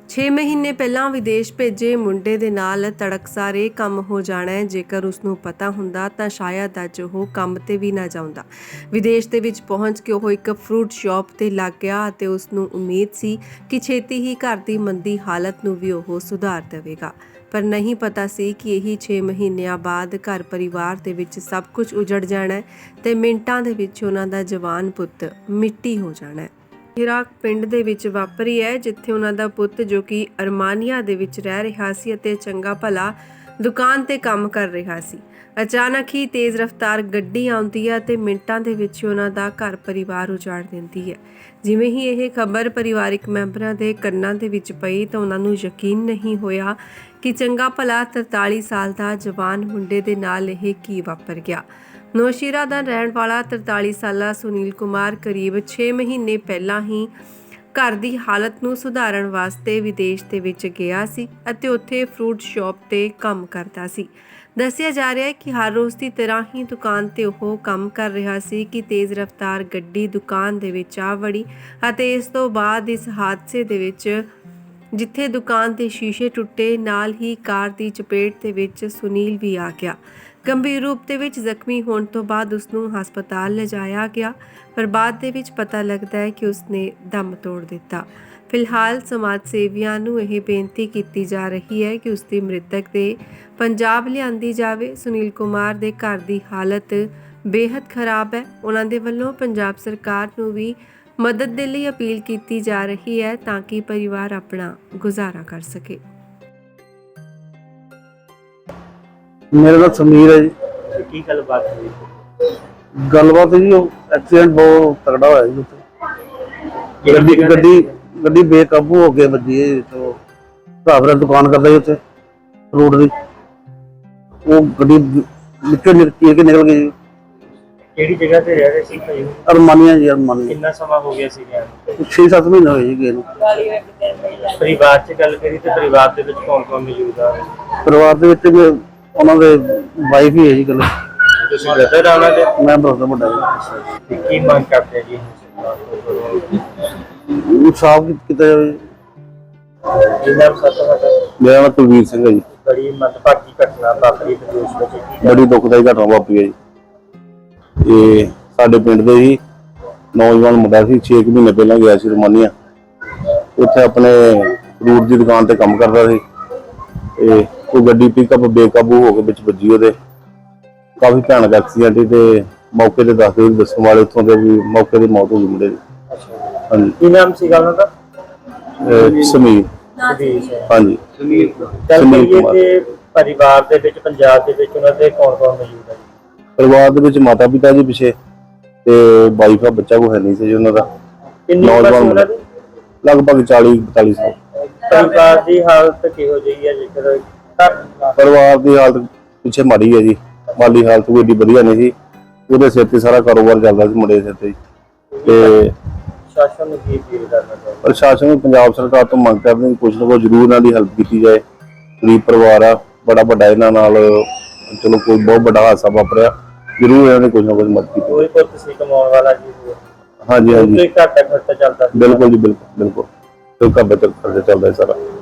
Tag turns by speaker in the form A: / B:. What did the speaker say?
A: 6 ਮਹੀਨੇ ਪਹਿਲਾਂ ਵਿਦੇਸ਼ ਭੇਜੇ ਮੁੰਡੇ ਦੇ ਨਾਲ ਤੜਕਸਾਰ ਇਹ ਕੰਮ ਹੋ ਜਾਣਾ ਹੈ। ਜੇਕਰ ਉਸ ਨੂੰ ਪਤਾ ਹੁੰਦਾ ਤਾਂ ਸ਼ਾਇਦ ਅੱਜ ਉਹ ਕੰਮ ਤੇ ਵੀ ਨਾ ਜਾਂਦਾ। ਵਿਦੇਸ਼ ਦੇ ਵਿੱਚ ਪਹੁੰਚ ਕੇ ਉਹ ਇੱਕ ਫਰੂਟ ਸ਼ਾਪ ਤੇ ਲੱਗ ਗਿਆ ਅਤੇ ਉਸ ਨੂੰ ਉਮੀਦ ਸੀ ਕਿ ਛੇਤੀ ਹੀ ਘਰ ਦੀ ਮੰਦੀ ਹਾਲਤ ਨੂੰ ਵੀ ਉਹ ਸੁਧਾਰ ਦੇਵੇਗਾ। ਪਰ ਨਹੀਂ ਪਤਾ ਸੀ ਕਿ ਇਹੀ 6 ਮਹੀਨਿਆਂ ਬਾਅਦ ਘਰ ਪਰਿਵਾਰ ਦੇ ਵਿੱਚ ਸਭ ਕੁਝ ਉਜੜ ਜਾਣਾ ਹੈ ਤੇ ਮਿੰਟਾਂ ਦੇ ਵਿੱਚ ਉਹਨਾਂ ਦਾ ਜਵਾਨ ਪੁੱਤ ਮਿੱਟੀ ਹੋ ਜਾਣਾ ਹੈ। ਇਰਾਕ ਪਿੰਡ ਦੇ ਵਿੱਚ ਵਾਪਰੀ ਹੈ, ਜਿੱਥੇ ਉਹਨਾਂ ਦਾ ਪੁੱਤ ਜੋ ਕਿ ਅਰਮਾਨੀਆ ਦੇ ਵਿੱਚ ਰਹਿ ਰਿਹਾ ਸੀ ਅਤੇ ਚੰਗਾ ਭਲਾ ਦੁਕਾਨ ਤੇ ਕੰਮ ਕਰ ਰਿਹਾ ਸੀ। ਅਚਾਨਕ ਹੀ ਤੇਜ਼ ਰਫ਼ਤਾਰ ਗੱਡੀ ਆਉਂਦੀ ਹੈ ਤੇ ਮਿੰਟਾਂ ਦੇ ਵਿੱਚ ਉਹਨਾਂ ਦਾ ਘਰ ਪਰਿਵਾਰ ਉਜਾੜ ਦਿੰਦੀ ਹੈ। ਜਿਵੇਂ ਹੀ ਇਹ ਖਬਰ ਪਰਿਵਾਰਿਕ ਮੈਂਬਰਾਂ ਦੇ ਕੰਨਾਂ ਦੇ ਵਿੱਚ ਪਈ ਤਾਂ ਉਹਨਾਂ ਨੂੰ ਯਕੀਨ ਨਹੀਂ ਹੋਇਆ ਕਿ ਚੰਗਾ ਭਲਾ 43 ਸਾਲ ਦਾ ਜਵਾਨ ਮੁੰਡੇ ਦੇ ਨਾਲ ਇਹ ਕੀ ਵਾਪਰ ਗਿਆ। ਨੌਸ਼ੀਰਾ ਦਾ ਰਹਿਣ ਵਾਲਾ 43 ਸਾਲਾ ਸੁਨੀਲ ਕੁਮਾਰ ਕਰੀਬ 6 ਮਹੀਨੇ ਪਹਿਲਾਂ ਹੀ ਘਰ ਦੀ ਹਾਲਤ ਨੂੰ ਸੁਧਾਰਨ ਵਾਸਤੇ ਵਿਦੇਸ਼ ਦੇ ਵਿੱਚ ਗਿਆ ਸੀ ਅਤੇ ਉੱਥੇ ਫਰੂਟ ਸ਼ਾਪ ਤੇ ਕੰਮ ਕਰਦਾ ਸੀ। ਦੱਸਿਆ ਜਾ ਰਿਹਾ ਹੈ ਕਿ ਹਰ ਰੋਜ਼ ਦੀ ਤਰ੍ਹਾਂ ਹੀ ਦੁਕਾਨ ਤੇ ਉਹ ਕੰਮ ਕਰ ਰਿਹਾ ਸੀ ਕਿ ਤੇਜ਼ ਰਫ਼ਤਾਰ ਗੱਡੀ ਦੁਕਾਨ ਦੇ ਵਿੱਚ ਆ ਵੜੀ ਅਤੇ ਇਸ ਤੋਂ ਬਾਅਦ ਇਸ ਹਾਦਸੇ ਦੇ ਵਿੱਚ ਜਿੱਥੇ ਦੁਕਾਨ ਦੇ ਸ਼ੀਸ਼ੇ ਟੁੱਟੇ, ਨਾਲ ਹੀ ਕਾਰ ਦੀ ਚਪੇਟ ਦੇ ਵਿੱਚ ਸੁਨੀਲ ਵੀ ਆ ਗਿਆ। ਗੰਭੀਰ ਰੂਪ ਦੇ ਵਿੱਚ ਜ਼ਖਮੀ ਹੋਣ ਤੋਂ ਬਾਅਦ ਉਸ ਨੂੰ ਹਸਪਤਾਲ ਲਿਜਾਇਆ ਗਿਆ, ਪਰ ਬਾਅਦ ਦੇ ਵਿੱਚ ਪਤਾ ਲੱਗਦਾ ਹੈ ਕਿ ਉਸਨੇ ਦਮ ਤੋੜ ਦਿੱਤਾ। ਫਿਲਹਾਲ ਸਮਾਜ ਸੇਵੀਆਂ ਨੂੰ ਇਹ ਬੇਨਤੀ ਕੀਤੀ ਜਾ ਰਹੀ ਹੈ ਕਿ ਉਸ ਦੀ ਮ੍ਰਿਤਕ ਦੇ ਪੰਜਾਬ ਲਿਆਂਦੀ ਜਾਵੇ। ਸੁਨੀਲ ਕੁਮਾਰ ਦੇ ਘਰ ਦੀ ਹਾਲਤ ਬੇहद ਖਰਾਬ ਹੈ। ਉਹਨਾਂ ਦੇ ਵੱਲੋਂ ਪੰਜਾਬ ਸਰਕਾਰ ਨੂੰ ਵੀ ਮਦਦ ਦੇ ਲਈ ਅਪੀਲ ਕੀਤੀ ਜਾ ਰਹੀ ਹੈ ਤਾਂ ਕਿ ਪਰਿਵਾਰ ਆਪਣਾ ਗੁਜ਼ਾਰਾ ਕਰ ਸਕੇ।
B: मेरा नाम समीर है जी।
C: की गलबात हुई?
B: गलबात जी एक्सीडेंट बहुत तगड़ा होया जी उत्थे। गड्डी गड्डी बेकाबू हो के वजी है तो भरा दुकान करदा जी उत्थे फ्रूट दी, वो गड्डी विचों चीर के निकल गई जी।
C: ਕਿਹੜੀ ਜਗ੍ਹਾ ਤੇ ਰਹਿ ਰਹੇ ਸੀ ਭਾਈ?
B: अरमानिया जी अरमानिया।
C: ਕਿੰਨਾ ਸਮਾਂ ਹੋ ਗਿਆ ਸੀ ਗਿਆ?
B: 6-7 ਮਹੀਨੇ ਹੋਏ ਜੀ ਗਏ ਨੂੰ।
C: ਪਰਿਵਾਰ ਚ ਗੱਲ ਕਰੀ ਤੇ ਪਰਿਵਾਰ ਦੇ ਵਿੱਚ ਕੌਣ ਕੌਣ ਮੌਜੂਦ ਆ?
B: ਪਰਿਵਾਰ ਦੇ ਵਿੱਚ ਉਹਨਾਂ ਦੇ ਵਾਈਫ ਹੀ ਹੈ ਜੀ ਗੱਲ।
C: ਤੁਸੀਂ ਬ੍ਰਦਰ ਆ ਉਹਨਾਂ ਦੇ?
B: ਮੈਂ ਬਰਦਰ ਵੱਡਾ
C: ਤੇ ਕੀ ਮੰਗ ਕਰਦੇ ਜੀ?
B: ਜੀ ਸਾਫ ਕੀਤਾ ਜਾਵੇ।
C: ਜਿੰਨਾ ਸੱਤ
B: ਮੇਰਾ ਨਾਮ ਕੁਲਵੀਰ ਸਿੰਘ ਹੈ ਜੀ।
C: ਬੜੀ ਮੰਦਭਾਗੀ ਘਟਨਾ ਵਾਪਰੀ ਵਿਦੇਸ਼ ਵਿੱਚ।
B: ਬੜੀ ਦੁਖਦਾਈ ਘਟਨਾ ਵਾਪਰੀ ਹੈ ਜੀ। ਇਹ ਸਾਡੇ ਪਿੰਡ ਦੇ ਹੀ ਨੌਜਵਾਨ ਮੁੰਡਾ ਸੀ, 6 ਮਹੀਨੇ ਪਹਿਲਾਂ ਗਿਆ ਸੀ ਰਮਾਨੀਆ। ਉੱਥੇ ਆਪਣੇ ਫਰੂਟ ਦੀ ਦੁਕਾਨ ਤੇ ਕੰਮ ਕਰਦਾ ਸੀ ਤੇ ਉਹ ਗੱਡੀ ਪਿਕਅਪ ਬੇਕਾਬੂ ਹੋ ਕੇ ਵਿੱਚ ਵੱਜੀ। ਉਹਦੇ ਕਾਫੀ ਭਿਆਨਕ ਐਕਸੀਡੈਂਟ ਸੀ ਤੇ ਮੌਕੇ ਤੇ ਦੱਸਣ ਵਾਲੇ ਉੱਥੋਂ ਦੇ ਵੀ ਮੌਕੇ ਤੇ ਮੌਤ ਹੋ ਗਈ ਮੁੰਡੇ ਦੀ। ਹਾਂਜੀ।
C: ਕੀ ਨਾਮ ਸੀਗਾ ਉਹਨਾਂ ਦਾ?
B: ਸਮੀਰ। ਹਾਂਜੀ
C: ਸਮੀਰ ਕੁਮਾਰ। ਤੇ ਪਰਿਵਾਰ ਦੇ ਵਿੱਚ ਪੰਜਾਬ ਦੇ ਵਿੱਚ ਉਹਨਾਂ ਦੇ ਕੌਣ ਕੌਣ ਮੌਜੂਦ ਹੈ?
B: ਪਰਿਵਾਰ ਦੇ ਵਿੱਚ ਮਾਤਾ ਪਿਤਾ ਜੀ ਪਿੱਛੇ ਤੇ ਵਾਈਫ ਆ, ਬੱਚਾ ਕੋਈ ਹੈ ਨਹੀਂ ਸੀ ਜੀ ਉਹਨਾਂ ਦਾ। ਨੌਜਵਾਨ ਲਗਭਗ 40-42 ਸਾਲ।
C: ਪਰਿਵਾਰ ਦੀ ਹਾਲਤ ਕਿਹੋ ਜਿਹੀ ਹੈ? ਜੇਕਰ
B: ਪਰਿਵਾਰ ਦੀ ਹਾਲਤ ਪਿੱਛੇ ਮਾੜੀ ਹੈ ਜੀ, ਮਾਲੀ ਹਾਲਤ ਕੋਈ ਏਡੀ ਵਧੀਆ ਨਹੀਂ ਸੀ। ਉਹਦੇ ਸਿਰ ਤੇ ਸਾਰਾ ਕਾਰੋਬਾਰ ਚੱਲਦਾ ਸੀ ਮੁੰਡੇ ਦੇ ਸਿਰ ਤੇ। ਤੇ
C: ਸ਼ਾਸਨ ਨੂੰ ਕੀ ਅਪੀਲ ਕਰਨਾ ਚਾਹੀਦਾ?
B: ਪ੍ਰਸ਼ਾਸਨ ਨੂੰ ਪੰਜਾਬ ਸਰਕਾਰ ਤੋਂ ਮੰਗ ਕਰਦੇ ਨੇ ਕੁਝ ਨਾ ਕੁਝ ਜ਼ਰੂਰ ਇਹਨਾਂ ਦੀ ਹੈਲਪ ਕੀਤੀ ਜਾਏ। ਗਰੀਬ ਪਰਿਵਾਰ ਆ, ਬੜਾ ਵੱਡਾ ਇਹਨਾਂ ਨਾਲ ਚਲੋ ਕੋਈ ਬਹੁਤ ਵੱਡਾ ਹਾਦਸਾ ਵਾਪਰਿਆ, ਜ਼ਰੂਰ ਇਹਨਾਂ ਨੇ ਕੁਝ ਨਾ ਕੁਝ ਮਦਦ ਕੀਤੀ।
C: ਕੋਈ ਪੁੱਤ ਸੀ ਕਮਾਉਣ ਵਾਲਾ ਜੀ?
B: ਹਾਂਜੀ ਹਾਂਜੀ
C: ਘਰ ਦਾ ਖਰਚਾ ਚੱਲਦਾ ਸੀ?
B: ਬਿਲਕੁਲ ਜੀ, ਬਿਲਕੁਲ ਬਿਲਕੁਲ। ਘਰ ਦਾ ਖਰਚਾ ਚੱਲਦਾ ਸਾਰਾ।